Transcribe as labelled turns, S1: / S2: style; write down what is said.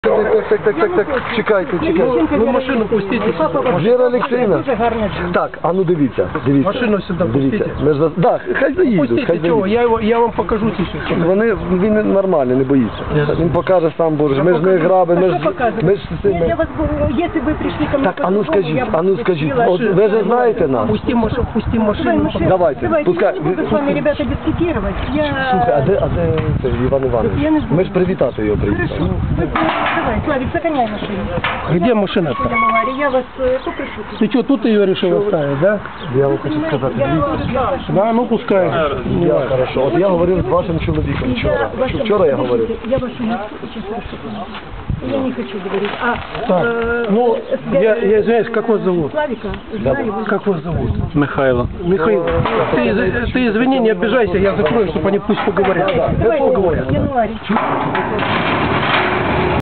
S1: Так, чекайте.
S2: Ви машину пустите.
S1: Віра Олексіївна. Так, а ну дивіться.
S2: Машину сюди
S1: Дивіться.
S2: пустите.
S1: Так, хай заїдуть.
S2: Пустите, чого? Я вам покажу сейчас.
S1: Він нормальний, не боїться. Він покаже сам, боже, ми ж не грабимо, ми ж з цими.
S3: Я вас, если вы пришли ко мне...
S1: Так, а ну скажіть, от ви же знаєте нас?
S2: Пусти машину.
S1: Давайте, пускай.
S3: Буду с вами, ребята, дискутировать.
S1: Слухай, а де це Іван Іванович?
S3: Я не знаю.
S1: Ми ж привітати його приїхали.
S3: Хорошо. Давай, Славик, загоняй машину.
S2: Где машина-то?
S3: Я вас попрошу.
S2: Ты что, тут ее решил оставить, да?
S1: Я вам хочу сказати, дивіться.
S2: Да, ну пускай.
S1: Я хорошо. От я говорив з вашим чоловіком вчора. Вчора я говорив.
S3: Я вашу сейчас прошу. Я не хочу говорить.
S2: Так, ну, я извиняюсь, как вас зовут?
S3: Славика, знаю.
S2: Как вас зовут?
S4: Михайло.
S2: Михаил. Ты извини, не обижайся, я закрою, чтобы они пусть поговорят.
S3: Давайте, январь.